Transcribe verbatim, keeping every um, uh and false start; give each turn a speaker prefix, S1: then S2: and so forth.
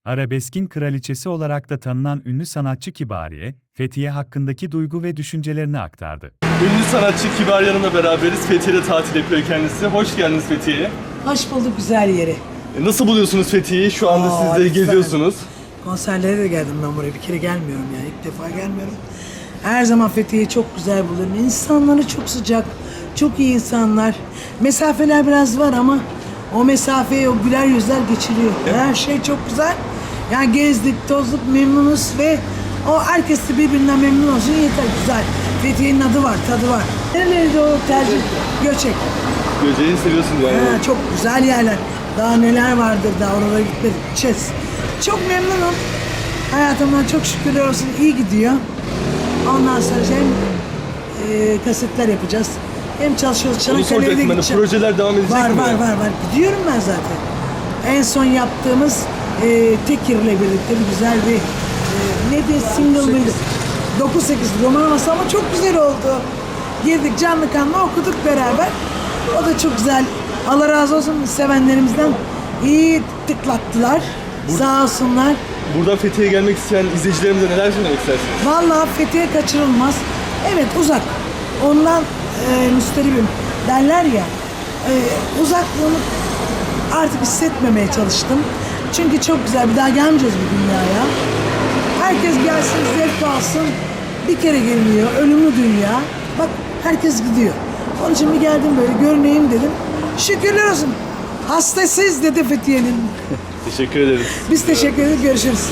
S1: Arabeskin kraliçesi olarak da tanınan ünlü sanatçı Kibariye, Fethiye hakkındaki duygu ve düşüncelerini aktardı.
S2: Ünlü sanatçı Kibariye Hanım'la beraberiz. Fethiye'de tatil yapıyor kendisi. Hoş geldiniz Fethiye'ye.
S3: Hoş bulduk güzel yeri.
S2: E, Nasıl buluyorsunuz Fethiye'yi? Şu anda
S3: Aa,
S2: siz de
S3: lütfen.
S2: geziyorsunuz.
S3: Konserlere de geldim ben buraya. Bir kere gelmiyorum yani. İlk defa gelmiyorum. Her zaman Fethiye'yi çok güzel bulurum. İnsanları çok sıcak, çok iyi insanlar. Mesafeler biraz var ama o mesafeyi o güler yüzler geçiriyor. Her şey çok güzel. Yani gezdik, tozduk, memnunuz ve o herkes de birbirinden memnun olsun yeter. Güzel. Fethiye'nin adı var, tadı var. Nereliydi o tercih? Göçek.
S2: Göceği seviyorsunuz yani.
S3: Ha, çok güzel yerler. Daha neler vardır daha oralara gitmedik. Gideceğiz. Çok memnunum. Hayatımdan çok şükürler olsun iyi gidiyor. Ondan sonra hem e, kasetler yapacağız. Hem çalışıyoruz.
S2: Onu
S3: Çanakkale'ye de
S2: soracaktım ben de.
S3: gideceğim.
S2: Projeler devam edecek
S3: var,
S2: mi?
S3: Var var var. Gidiyorum ben zaten. En son yaptığımız e, Tekir'le birlikte bir güzel bir e, ne diye single mıydı? dokuz sekiz roman havası ama çok güzel oldu. Girdik canlı kanlı okuduk beraber. O da çok güzel. Allah razı olsun sevenlerimizden iyi tıklattılar. Sağ olsunlar.
S2: Buradan Fethiye'ye gelmek isteyen izleyicilerimize neler söylemek istersiniz?
S3: Vallahi Fethiye kaçırılmaz. Evet uzak. Ondan e, müsteribim derler ya. E, uzaklığını artık hissetmemeye çalıştım. Çünkü çok güzel. Bir daha gelmeyeceğiz bu dünyaya. Herkes gelsin, zevk alsın. Bir kere geliniyor. Ölümlü dünya. Bak herkes gidiyor. Onun için bir geldim böyle görüneyim dedim. Şükürler olsun. Hastasıyız dedi Fethiye'nin.
S2: Teşekkür ederiz.
S3: Biz teşekkür ederiz. Görüşürüz.